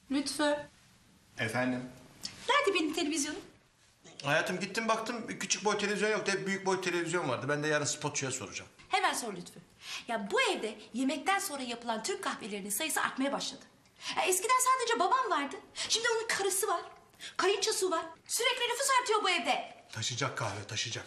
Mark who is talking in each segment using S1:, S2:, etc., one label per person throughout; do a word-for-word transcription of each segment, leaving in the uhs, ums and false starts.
S1: Lütfü.
S2: Efendim?
S1: Nerede benim televizyonum?
S2: Hayatım gittim baktım küçük boy televizyon yoktu. Hep büyük boy televizyon vardı. Ben de yarın spotçuya soracağım.
S1: Hemen sor Lütfü. Ya bu evde yemekten sonra yapılan Türk kahvelerinin sayısı artmaya başladı. Ya eskiden sadece babam vardı. Şimdi onun karısı var. Kayınçosu var. Sürekli nüfus artıyor bu evde.
S2: Taşıyacak kahve taşıyacak.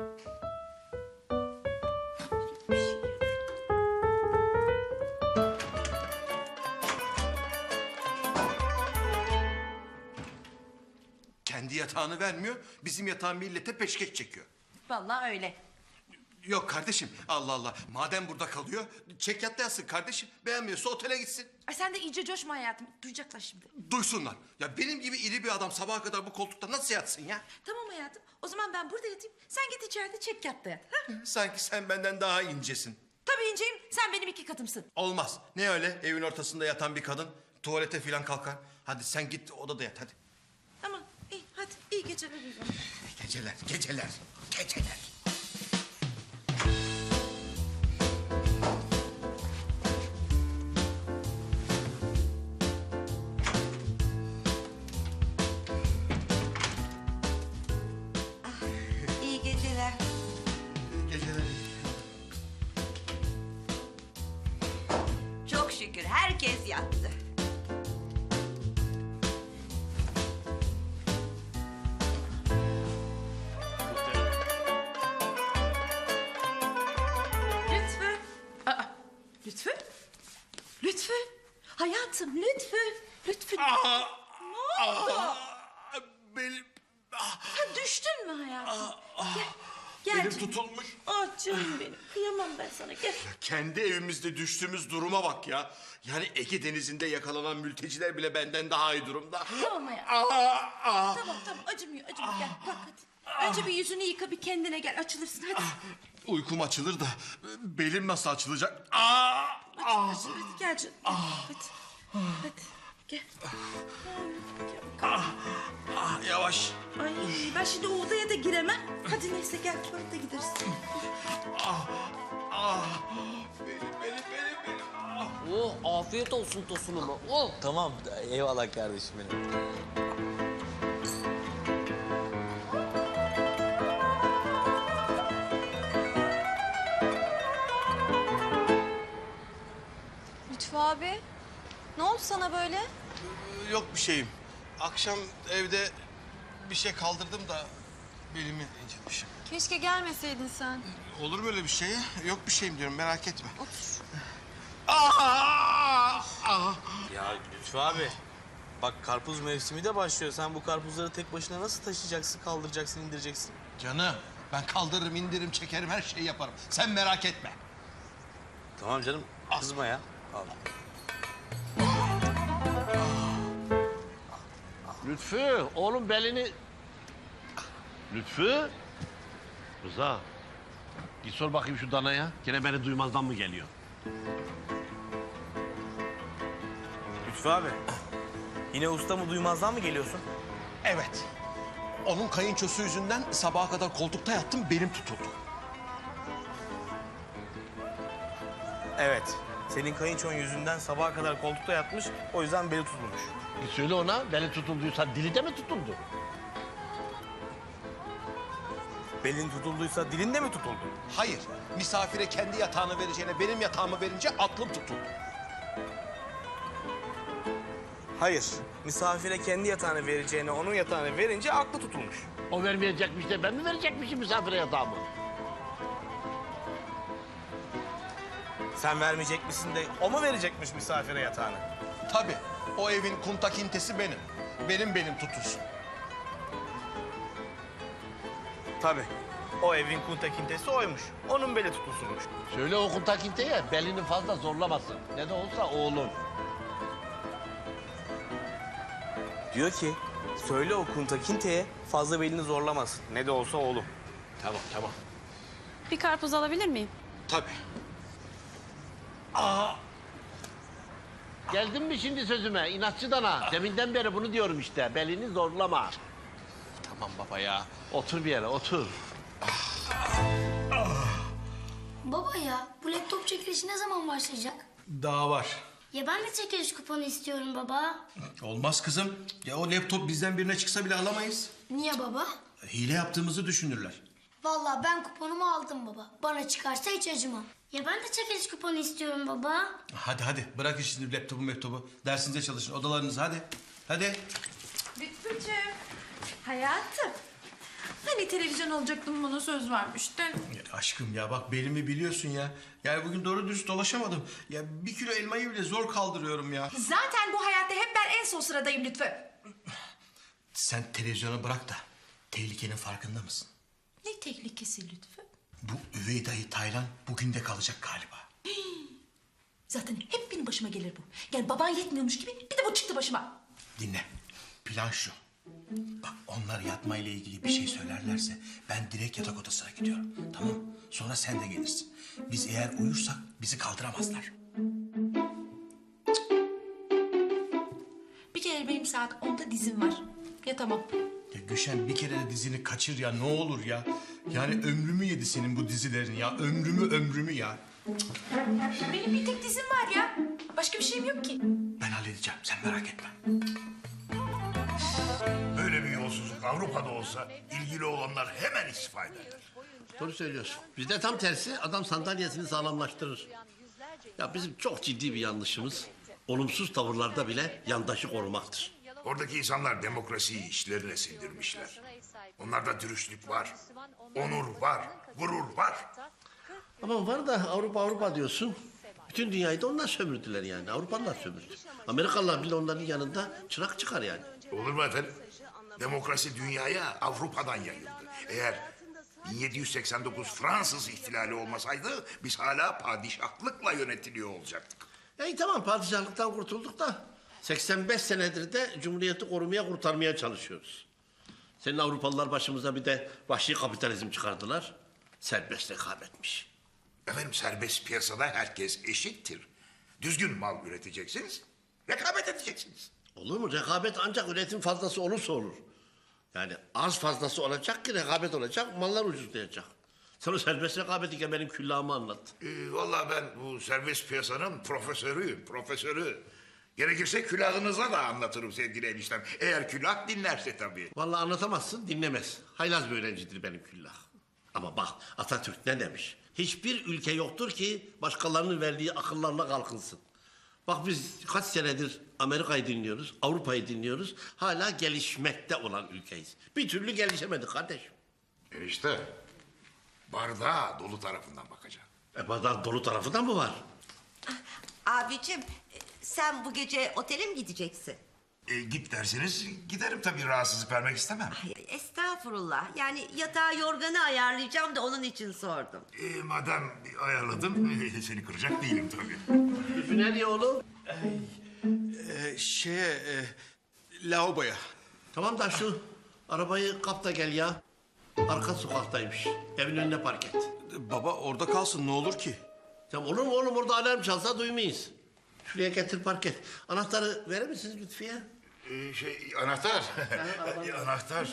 S2: Kendi yatağını vermiyor, bizim yatağı millete peşkeş çekiyor.
S1: Vallahi öyle.
S2: Yok kardeşim, Allah Allah. Madem burada kalıyor, çek yatta yatsın kardeşim. Beğenmiyorsa otele gitsin.
S1: Ay sen de iyice coşma hayatım. Duyacaklar şimdi.
S2: Duysunlar. Ya benim gibi iri bir adam sabaha kadar bu koltukta nasıl yatsın ya?
S1: Tamam hayatım. O zaman ben burada yatayım. Sen git içeride çek yatta yat. Ha?
S2: Sanki sen benden daha incesin.
S1: Tabii inceyim. Sen benim iki katımsın.
S2: Olmaz. Ne öyle evin ortasında yatan bir kadın tuvalete falan kalkar. Hadi sen git odada yat hadi.
S1: Tamam. İyi hadi. İyi geceler o zaman.
S2: Geceler, geceler, geceler.
S1: İyi geceler.
S2: Geceler.
S3: Çok şükür herkes yattı.
S1: Lütfü. Aa, Lütfü? Lütfü. Hayatım Lütfü. Lütfü.
S2: Aa,
S1: Ne oldu?
S2: benim, ah,
S1: Ha, düştün mü hayatım? Gel. Gel
S2: benim
S1: canım.
S2: tutulmuş.
S1: Ah canım benim. Kıyamam ben sana. Gel.
S2: Kendi evimizde düştüğümüz duruma bak ya. Yani Ege Denizi'nde yakalanan mülteciler bile benden daha iyi durumda.
S1: Tamam hayatım.
S2: Aa, aa.
S1: Tamam tamam acımıyor acımıyor. Gel kalk hadi. Önce bir yüzünü yıka bir kendine gel açılırsın hadi.
S2: Uykum açılır da belim nasıl açılacak? Aa, aa.
S1: Açılır hadi gel canım. Gel. Hadi. Hadi. Gel.
S2: Ah, yavaş.
S1: Ay ben şimdi o odaya da giremem. Hadi neyse gel tuvalete gideriz.
S2: Ah, benim, benim, benim, benim. Ah.
S4: Oh, afiyet olsun tosunuma. Oh.
S5: Tamam, eyvallah kardeşim benim.
S6: Lütfü abi, ne oldu sana böyle?
S2: Yok bir şeyim. Akşam evde bir şey kaldırdım da belimi incitmişim.
S6: Keşke gelmeseydin sen.
S2: Olur mu öyle bir şey? Yok bir şeyim diyorum merak etme.
S6: Otur.
S2: Ah, ah.
S5: Ya Lütfü abi, bak karpuz mevsimi de başlıyor. Sen bu karpuzları tek başına nasıl taşıyacaksın, kaldıracaksın, indireceksin?
S2: Canım ben kaldırırım, indiririm, çekerim, her şeyi yaparım. Sen merak etme.
S5: Tamam canım, kızma ya. Al.
S4: Lütfü, oğlum belini... Lütfü. Rıza. Git sor bakayım şu danaya. Gene beni duymazdan mı geliyor?
S5: Lütfü abi, yine usta mı duymazdan mı geliyorsun?
S2: Evet. Onun kayınçosu yüzünden sabaha kadar koltukta yattım, belim tutuldu.
S5: Evet, senin kayınçon yüzünden sabaha kadar koltukta yatmış, o yüzden beli tutulmuş.
S4: Git söyle ona, beli tutulduysa dili de mi tutuldu?
S5: Belin tutulduysa dilin de mi tutuldu?
S2: Hayır, misafire kendi yatağını vereceğine benim yatağımı verince aklım tutuldu.
S5: Hayır, misafire kendi yatağını vereceğine onun yatağını verince aklı tutulmuş.
S4: O vermeyecekmiş de ben mi verecekmişim misafire yatağımı?
S5: Sen vermeyecek misin de o mu verecekmiş misafire yatağını?
S2: Tabii, o evin kuntakintesi benim. Benim benim tutulsun.
S5: Tabii. O evin kuntakintesi oymuş. Onun beli tutulsunmuş.
S4: Söyle o kuntakinteye belini fazla zorlamasın. Ne de olsa oğlum.
S5: Diyor ki, söyle o kuntakinteye fazla belini zorlamasın. Ne de olsa oğlum.
S4: Tamam, tamam.
S6: Bir karpuz alabilir miyim?
S2: Tabii.
S4: Geldin mi şimdi sözüme inatçı dana? Deminden beri bunu diyorum işte. Belini zorlama.
S2: Tamam baba ya.
S4: Otur bir yere, otur.
S7: Baba ya bu laptop çekilişi ne zaman başlayacak?
S2: Daha var.
S7: Ya ben de çekiliş kuponu istiyorum baba.
S8: Olmaz kızım. Ya o laptop bizden birine çıksa bile alamayız.
S7: Niye baba?
S8: Hile yaptığımızı düşünürler.
S7: Vallahi ben kuponumu aldım baba. Bana çıkarsa hiç acımam. Ya ben de çekiliş kuponu istiyorum baba.
S8: Hadi hadi bırakın şimdi laptopu laptopu. Dersinize çalışın odalarınıza hadi. Hadi.
S1: Lütfücüğüm. Hayatım. Hani televizyon olacaktım bana söz vermiştin.
S8: Ya aşkım ya bak belimi biliyorsun ya. Yani bugün doğru düz dolaşamadım. Ya bir kilo elmayı bile zor kaldırıyorum ya.
S1: Zaten bu hayatta hep ben en son sıradayım Lütfü.
S8: Sen televizyonu bırak da tehlikenin farkında mısın?
S1: Ne tehlikesi Lütfü?
S8: Bu üvey dayı Taylan bugün de kalacak galiba.
S1: Zaten hep benim başıma gelir bu. Yani baban yetmiyormuş gibi bir de bu çıktı başıma.
S8: Dinle. Plan şu. Bak onlar yatmayla ilgili bir şey söylerlerse ben direkt yatak odasına gidiyorum. Tamam. Sonra sen de gelirsin. Biz eğer uyursak bizi kaldıramazlar.
S1: Bir kere benim saat onda dizim var. Ya tamam.
S8: Ya Gülşen bir kere de dizini kaçır ya ne olur ya. Yani ömrümü yedi senin bu dizilerin ya. Ömrümü ömrümü ya.
S1: Benim bir tek dizim var ya. Başka bir şeyim yok ki.
S8: Ben halledeceğim sen merak etme.
S9: Böyle bir yolsuzluk Avrupa'da olsa ilgili olanlar hemen istifa ederler.
S4: Doğru söylüyorsun. Bizde tam tersi adam sandalyesini sağlamlaştırır. Ya bizim çok ciddi bir yanlışımız olumsuz tavırlarda bile yandaşı korumaktır.
S9: Oradaki insanlar demokrasiyi işlerine sindirmişler. Onlarda dürüstlük var, onur var, gurur var.
S4: Ama var da Avrupa Avrupa diyorsun. Bütün dünyayı da onlar sömürdüler yani. Avrupalılar sömürdü. Amerikalılar bile onların yanında çırak çıkar yani.
S9: Olur mu efendim? Demokrasi dünyaya Avrupa'dan yayıldı. Eğer bin yedi yüz seksen dokuz Fransız ihtilali olmasaydı biz hala padişahlıkla yönetiliyor olacaktık.
S4: Ya iyi tamam padişahlıktan kurtulduk da seksen beş senedir de cumhuriyeti korumaya kurtarmaya çalışıyoruz. Senin Avrupalılar başımıza bir de vahşi kapitalizm çıkardılar. Serbest rekabetmiş.
S9: Efendim serbest piyasada herkes eşittir. Düzgün mal üreteceksiniz, rekabet edeceksiniz.
S4: Olur mu? Rekabet ancak üretim fazlası olursa olur. Yani az fazlası olacak ki rekabet olacak, mallar ucuzlayacak. Sen o serbest rekabeti ki benim küllahımı anlat.
S9: Ee, vallahi ben bu serbest piyasanın profesörüyüm, profesörü. Gerekirse külahınıza da anlatırım sevgili eniştem. Eğer külah dinlerse tabii.
S4: Vallahi anlatamazsın, dinlemez. Haylaz bir öğrencidir benim küllah. Ama bak Atatürk ne demiş? Hiçbir ülke yoktur ki başkalarının verdiği akıllarla kalkınsın. Bak biz kaç senedir Amerika'yı dinliyoruz, Avrupa'yı dinliyoruz. Hala gelişmekte olan ülkeyiz. Bir türlü gelişemedik kardeşim.
S9: Enişte, bardağa dolu tarafından bakacağım.
S4: E bardak dolu tarafı da mı var?
S3: Abicim e, sen bu gece otele mi gideceksin?
S9: E, git derseniz giderim tabii, rahatsızlık vermek istemem.
S3: Ay, estağfurullah. Yani yatağı yorganı ayarlayacağım da onun için sordum.
S9: E, madem ayarladım, e, seni kıracak değilim tabii.
S4: Lütfü nereye oğlum?
S8: Ee, şeye e, lavaboya.
S4: Tamam da şu arabayı kap da gel ya. Arka sokaktaymış. Evin önüne park et.
S8: Baba orada kalsın ne olur ki?
S4: Tamam olur mu oğlum orada alarm çalsa duymayız. Şuraya getir park et. Anahtarı verir misiniz Lütfiye?
S9: E, şey, anahtar. E, anahtar.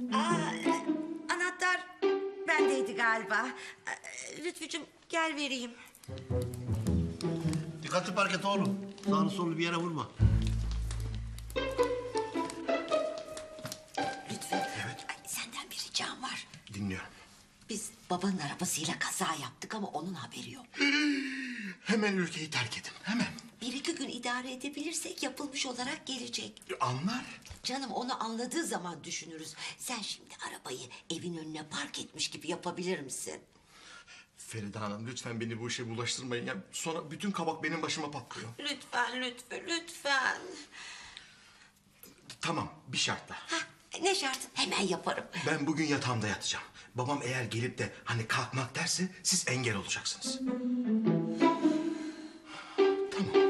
S3: Anahtar bendeydi galiba. Ee, Lütfücüğüm gel vereyim.
S4: Dikkatli park et oğlum. Sağını solunu bir yere vurma.
S3: Lütfü. Ay, senden bir ricam var.
S8: Dinliyorum.
S3: Biz babanın arabasıyla kaza yaptık ama onun haberi yok.
S8: Hemen ülkeyi terk edin hemen.
S3: Bir iki gün idare edebilirsek yapılmış olarak gelecek.
S8: Anlar.
S3: Canım onu anladığı zaman düşünürüz. Sen şimdi arabayı evin önüne park etmiş gibi yapabilir misin?
S8: Feride Hanım lütfen beni bu işe bulaştırmayın. Ya. Sonra bütün kabak benim başıma patlıyor.
S3: Lütfen Lütfü lütfen.
S8: Tamam bir şartla.
S3: Hah, ne şart? Hemen yaparım.
S8: Ben bugün yatağımda yatacağım. Babam eğer gelip de hani kalkmak derse siz engel olacaksınız. Tamam.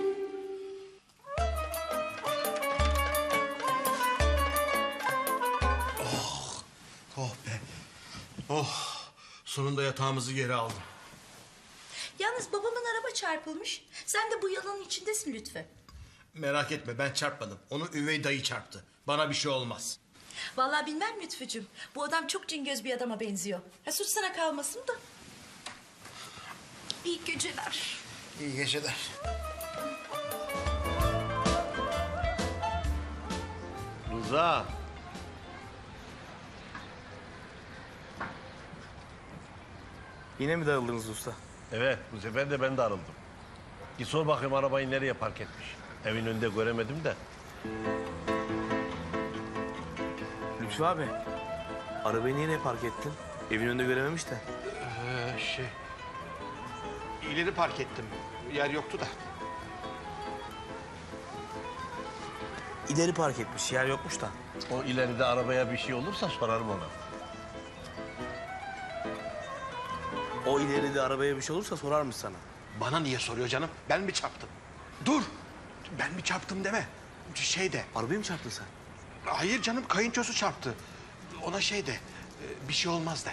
S8: Oh, oh be. Oh, sonunda yatağımızı geri aldım.
S1: Yalnız babamın araba çarpılmış. Sen de bu yalanın içindesin Lütfü.
S8: Merak etme ben çarpmadım. Onu üvey dayı çarptı. Bana bir şey olmaz.
S1: Vallahi bilmem Lütfücüğüm. Bu adam çok cingöz bir adama benziyor. Ha, suç sana kalmasın da. İyi geceler.
S8: İyi geceler.
S4: Rıza.
S5: Yine mi darıldınız usta?
S4: Evet, bu sefer de ben de arıldım. Git sor bakayım arabayı nereye park etmiş. Evin önünde göremedim de.
S5: Lütfü abi, arabayı niye park ettin? Evin önünde görememiş de.
S8: Ee, şey... İleri park ettim. Yer yoktu da.
S5: İleri park etmiş, yer yokmuş da.
S4: O ileride arabaya bir şey olursa sorarım ona.
S5: O ileride arabaya bir şey olursa sorarmış sana.
S8: Bana niye soruyor canım? Ben mi çarptım? Dur! Ben mi çarptım deme. Şey de...
S5: Arabayı mı çarptın sen?
S8: Hayır canım, kayınçosu çarptı. Ona şey de... e, Bir şey olmaz de.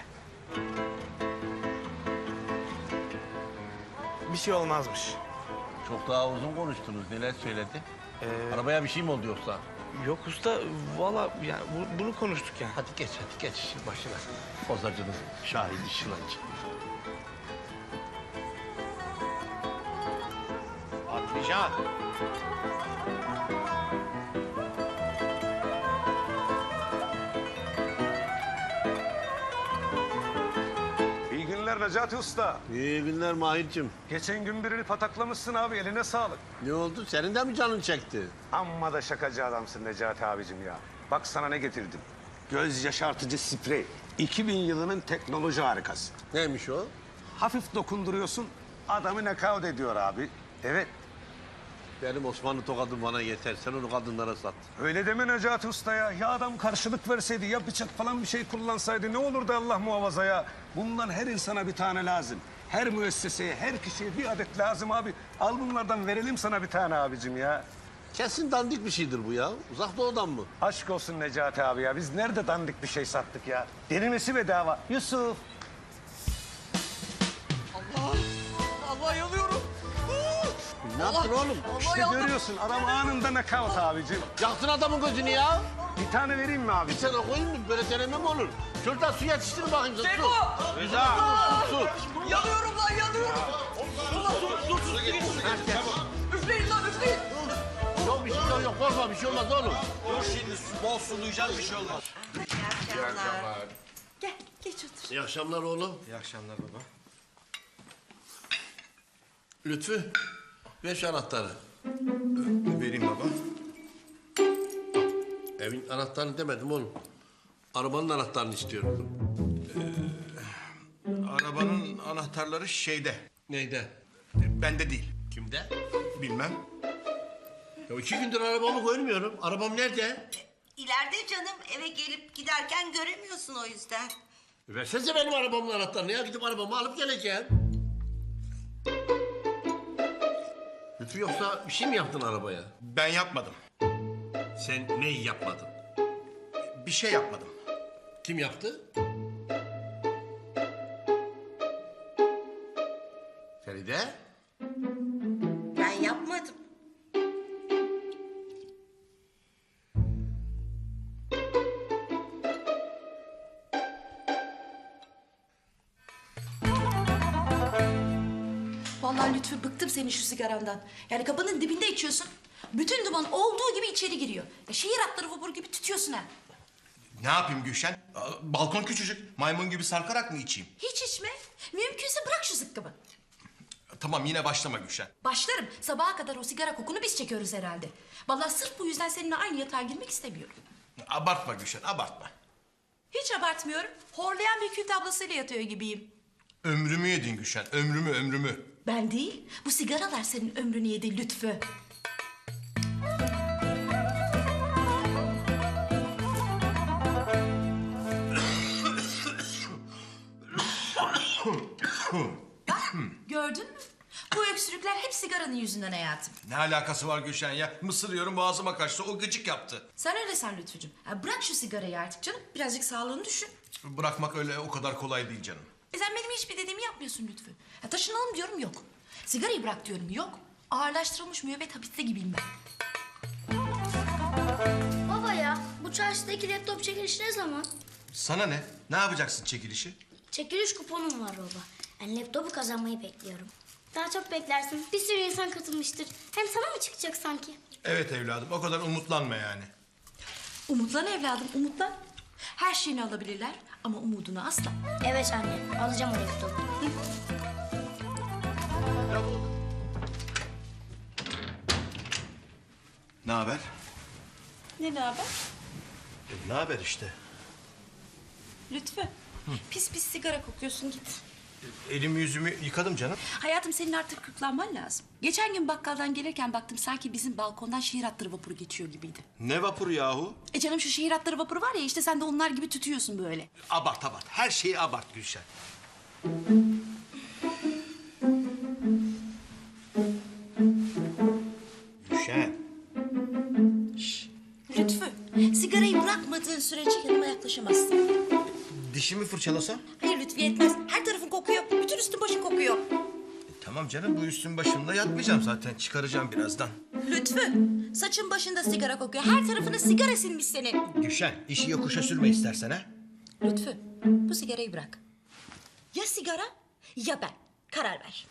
S5: Bir şey olmazmış.
S4: Çok daha uzun konuştunuz. Neler söyledi?
S5: Ee,
S4: Arabaya bir şey mi oldu yoksa?
S5: Yok usta, valla yani bu- bunu konuştuk yani.
S4: Hadi geç, hadi geç işin başına. Bozacınız şahidi şılancı.
S8: Patlıcan.
S10: İyi günler Necati Usta.
S4: İyi günler Mahir'cim.
S10: Geçen gün birini pataklamışsın abi, eline sağlık.
S4: Ne oldu? Senin de mi canın çekti?
S10: Amma da şakacı adamsın Necati abicim ya. Bak sana ne getirdim. Göz yaşartıcı sprey. iki bin yılının teknoloji harikası.
S4: Neymiş o?
S10: Hafif dokunduruyorsun, adamı nakavt ediyor abi. Evet,
S4: Benim Osmanlı tokadım bana yeter. Sen onu kadınlara sat.
S10: öyle deme Necati Usta ya. Ya adam karşılık verseydi, ya bıçak falan bir şey kullansaydı ne olurdu Allah muhafaza ya. Bundan her insana bir tane lazım. Her müesseseye, her kişiye bir adet lazım abi. Al bunlardan verelim sana bir tane abicim ya.
S4: Kesin dandik bir şeydir bu ya. Uzak doğudan mı?
S10: Aşk olsun Necati abi ya. Biz nerede dandik bir şey sattık ya? Denemesi bedava. Yusuf.
S5: Allah yanıyorum.
S4: Ne yaptın oğlum?
S10: İşte görüyorsun adam anında nakavt abicim.
S4: Yaktın adamın gözünü ya.
S10: Bir tane vereyim mi abi?
S4: Bir tane koyayım mı? Böyle deneme mi olur? Şuradan su yetiştir bakayım. Su.
S5: Seko!
S4: Rıza! Su, su.
S5: Yanıyorum lan, yanıyorum. Allah dur, dur, dur. Üfleyin lan, üfleyin.
S4: Yok bir şey yok, yok. Korkma bir şey olmaz oğlum.
S5: Dur şimdi, bol sulayacağız, bir şey olmaz.
S1: Gel geç otur.
S4: İyi akşamlar oğlum.
S2: İyi akşamlar baba.
S4: Lütfü, ver şu anahtarı.
S2: Vereyim baba.
S4: Evin anahtarını demedim oğlum. Arabanın anahtarını istiyorum.
S2: Arabanın anahtarları şeyde.
S4: Neyde?
S2: Bende değil.
S4: Kimde?
S2: Bilmem.
S4: Ya iki gündür arabamı görmüyorum. Arabam nerede?
S3: İleride canım, eve gelip giderken göremiyorsun o yüzden.
S4: E versenize benim arabamın anahtarını ya. Gidip arabamı alıp geleceğim. Lütfü yoksa bir şey mi yaptın arabaya?
S2: Ben yapmadım.
S4: Sen neyi yapmadın?
S2: Bir şey yapmadım.
S4: Kim yaptı? Feride?
S3: Ben yapmadım.
S1: Vallahi Lütfü bıktım senin şu sigarandan. Yani kapının dibinde içiyorsun. Bütün duman olduğu gibi içeri giriyor. Ya şehir atları vapur gibi tütüyorsun ha.
S2: Ne yapayım Gülşen? Aa, balkon küçücük. Maymun gibi sarkarak mı içeyim?
S1: Hiç içme. Mümkünse bırak şu zıkkımı.
S2: Tamam yine başlama Gülşen.
S1: Başlarım. Sabaha kadar o sigara kokunu biz çekiyoruz herhalde. Vallahi sırf bu yüzden seninle aynı yatağa girmek istemiyorum.
S2: Abartma Gülşen, abartma.
S1: Hiç abartmıyorum. Horlayan bir kül tablasıyla yatıyor gibiyim.
S2: Ömrümü yedin Gülşen, ömrümü, ömrümü.
S1: Ben değil, bu sigaralar senin ömrünü yedi Lütfü. Bak, gördün mü? Bu öksürükler hep sigaranın yüzünden hayatım.
S2: Ne alakası var Gülşen ya? Mısır yiyorum boğazıma kaçtı, o gıcık yaptı.
S1: Sen öyle san Lütfücüğüm. Ya bırak şu sigarayı artık canım. Birazcık sağlığını düşün.
S2: Bırakmak öyle o kadar kolay değil canım.
S1: E sen benim hiçbir dediğimi yapmıyorsun Lütfü. Ya taşınalım diyorum yok. Sigarayı bırak diyorum yok. Ağırlaştırılmış müebbet hapiste gibiyim ben.
S7: Baba ya bu çarşıdaki laptop çekilişi ne zaman?
S2: Sana ne? Ne yapacaksın çekilişi?
S7: Çekiliş kuponum var baba. Ben laptopu kazanmayı bekliyorum. Daha çok beklersin. Bir sürü insan katılmıştır. Hem sana mı çıkacak sanki?
S2: Evet evladım, o kadar umutlanma yani.
S1: Umutlan evladım, umutlan. Her şeyini alabilirler ama umudunu asla.
S7: Evet anne, alacağım o laptopu.
S2: Ne haber?
S1: Ne ne haber?
S2: Ne haber işte?
S1: Lütfü. Pis pis sigara kokuyorsun, git.
S2: Elimi yüzümü yıkadım canım.
S1: Hayatım, senin artık kırklanman lazım. Geçen gün bakkaldan gelirken baktım sanki bizim balkondan şehir hatları vapuru geçiyor gibiydi.
S2: Ne vapuru yahu?
S1: E canım, şu şehir hatları vapuru var ya, işte sen de onlar gibi tütüyorsun böyle.
S2: Abart abart. Her şeyi abart Gülşen. Gülşen.
S1: Lütfü, sigarayı bırakmadığın sürece yanıma yaklaşamazsın.
S2: Dişimi fırçalasam?
S1: Hayır Lütfü, yetmez. Her tarafın kokuyor, bütün üstün başın kokuyor.
S2: Tamam canım, bu üstün başımda yatmayacağım zaten. Çıkaracağım birazdan.
S1: Lütfü, saçın başında sigara kokuyor. Her tarafına sigara sinmiş senin.
S2: Gülşen, işi yokuşa sürme istersen ha.
S1: Lütfü, bu sigarayı bırak. Ya sigara ya ben. Karar ver.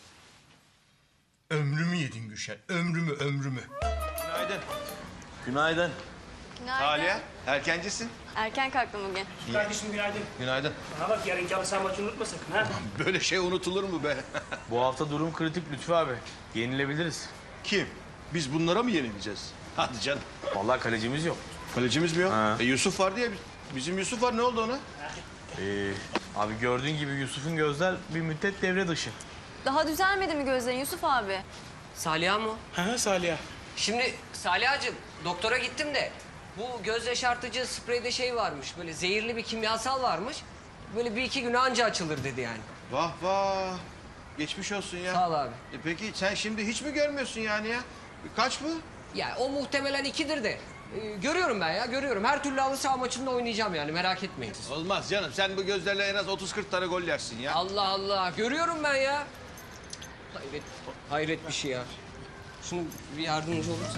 S2: Ömrümü yedin Gülşen, ömrümü, ömrümü. Günaydın.
S5: Günaydın.
S6: Günaydın.
S2: erkencisin.
S6: Erken kalktım bugün.
S10: Kardeşim günaydın.
S2: Günaydın.
S10: Ha bak yarınki halı saha maçını unutma sakın ha.
S2: Böyle şey unutulur mu be?
S5: Bu hafta durum kritik Lütfü abi. Yenilebiliriz.
S2: Kim? Biz bunlara mı yenileceğiz? Hadi canım.
S5: Vallahi kalecimiz yok.
S2: Kalecimiz mi yok?
S5: Ha.
S2: E, Yusuf var diye. Bizim Yusuf var, ne oldu ona?
S5: Ee, abi gördüğün gibi Yusuf'un gözler bir müddet devre dışı.
S6: Daha düzelmedi mi gözlerin Yusuf abi?
S11: Saliha mı?
S5: Ha Salih.
S11: Şimdi Saliha'cığım, doktora gittim de bu göz yaşartıcı spreyde şey varmış, böyle zehirli bir kimyasal varmış. Böyle bir iki güne anca açılır dedi yani.
S2: Vah vah. Geçmiş olsun ya.
S11: Sağ ol abi.
S2: E, peki sen şimdi hiç mi görmüyorsun yani ya? Kaç bu?
S11: Ya o muhtemelen ikidir de. Ee, görüyorum ben ya, görüyorum. Her türlü halı saha maçında oynayacağım yani, merak etmeyin.
S2: Olmaz canım. Sen bu gözlerle en az otuz kırk tane gol yersin ya.
S11: Allah Allah, görüyorum ben ya. Hayret, hayret bir şey ya. Şunu bir yardımcı olursa.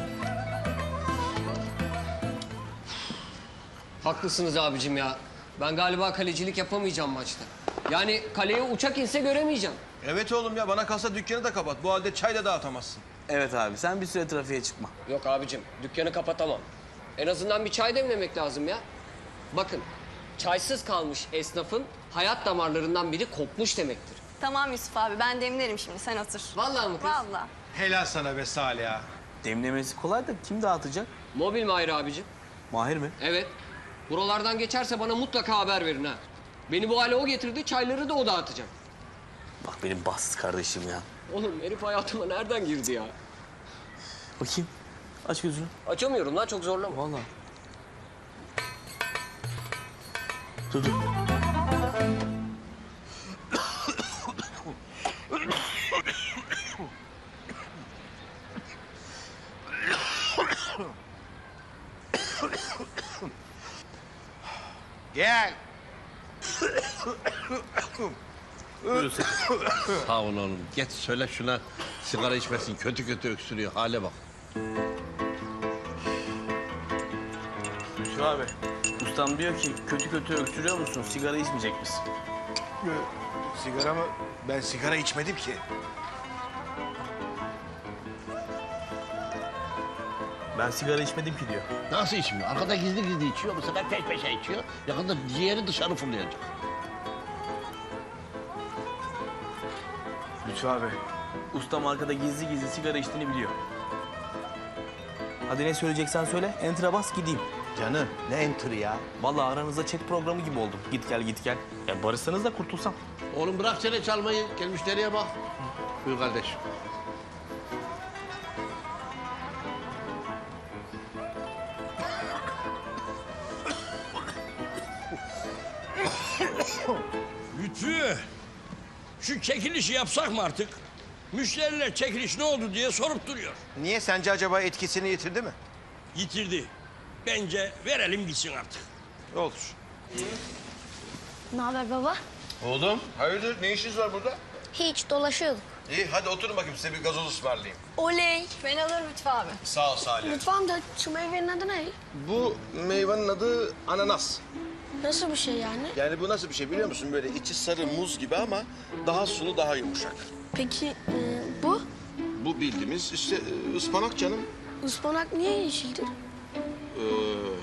S11: Haklısınız abicim ya. Ben galiba kalecilik yapamayacağım maçta. Yani kaleye uçak inse göremeyeceğim.
S2: Evet oğlum ya, bana kalsa dükkanı da kapat. Bu halde çay da dağıtamazsın.
S5: Evet abi sen bir süre trafiğe çıkma.
S11: Yok abicim, dükkanı kapatamam. En azından bir çay demlemek lazım ya. Bakın, çaysız kalmış esnafın hayat damarlarından biri kopmuş demektir.
S6: Tamam Yusuf abi, ben demlerim şimdi, sen otur.
S11: Vallahi mı kız?
S6: Vallahi.
S2: Helal sana be Salih ya.
S5: Demlemesi kolay da kim dağıtacak?
S11: Mobil Mahir abicim.
S5: Mahir mi?
S11: Evet. Buralardan geçerse bana mutlaka haber verin ha. Beni bu hale o getirdi, çayları da o dağıtacak.
S5: Bak benim bahtsız kardeşim ya.
S11: Oğlum herif hayatıma nereden girdi ya?
S5: Bakayım. Aç gözünü.
S11: Açamıyorum lan, çok zorlama.
S5: Vallahi. Dur dur.
S2: Gel.
S4: Sağ ol oğlum. Geç söyle şuna sigara içmesin. Kötü kötü öksürüyor. Hale bak.
S5: Şu abi. Ustam diyor ki kötü kötü öksürüyor musun? Sigara içmeyecek misin?
S2: Sigara mı? Ben sigara içmedim ki.
S5: Ben sigara içmedim ki diyor.
S4: Nasıl içmiyor? Arkada gizli gizli içiyor. Bu sefer peş peşe içiyor. Yakında ciğeri dışarı fırlayacak.
S5: Lütfü abi. Ustam arkada gizli gizli sigara içtiğini biliyor. Hadi ne söyleyeceksen söyle. Enter'a bas gideyim.
S2: Canım ne enter'ı ya?
S5: Vallahi aranızda chat programı gibi oldum. Git gel git gel. Ya barışsanız da kurtulsam.
S4: Oğlum bırak çene çalmayı. Gel müşteriye bak. Buyur kardeş.
S12: Lütfü, şu çekilişi yapsak mı artık? Müşteriler çekiliş ne oldu diye sorup duruyor.
S2: Niye? Sence acaba etkisini yitirdi mi?
S12: Yitirdi. Bence verelim gitsin artık.
S2: Olur.
S7: Ne haber baba?
S2: Oğlum hayırdır, ne işiniz var burada?
S7: Hiç dolaşıyorduk.
S2: İyi hadi oturun bakayım, size bir gazoz ısmarlayayım.
S6: Oley. Ben alırım Lütfü abi.
S2: Sağ ol Salih.
S7: Lütfen de şu meyvenin adı ne?
S2: Bu meyvenin adı ananas.
S7: Nasıl bir şey yani?
S2: Yani bu nasıl bir şey biliyor musun? Böyle içi sarı muz gibi ama daha sulu, daha yumuşak.
S7: Peki e, bu?
S2: Bu bildiğimiz işte e, ıspanak canım.
S7: Ispanak niye yeşildir?
S2: Ee,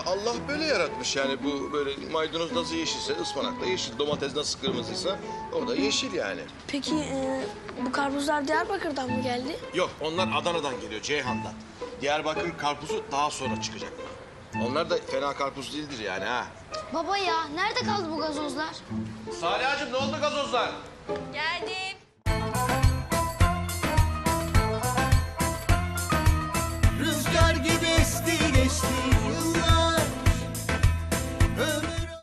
S2: Allah böyle yaratmış yani bu böyle maydanoz nasıl yeşilse ıspanak da yeşil, domates nasıl kırmızıysa o da yeşil yani.
S7: Peki e, bu karpuzlar Diyarbakır'dan mı geldi?
S2: Yok onlar Adana'dan geliyor, Ceyhan'dan. Diyarbakır karpuzu daha sonra çıkacak. Onlar da fena karpuz değildir yani ha.
S7: Baba ya nerede kaldı bu gazozlar?
S2: Salih'cığım ne oldu gazozlar?
S6: Geldim.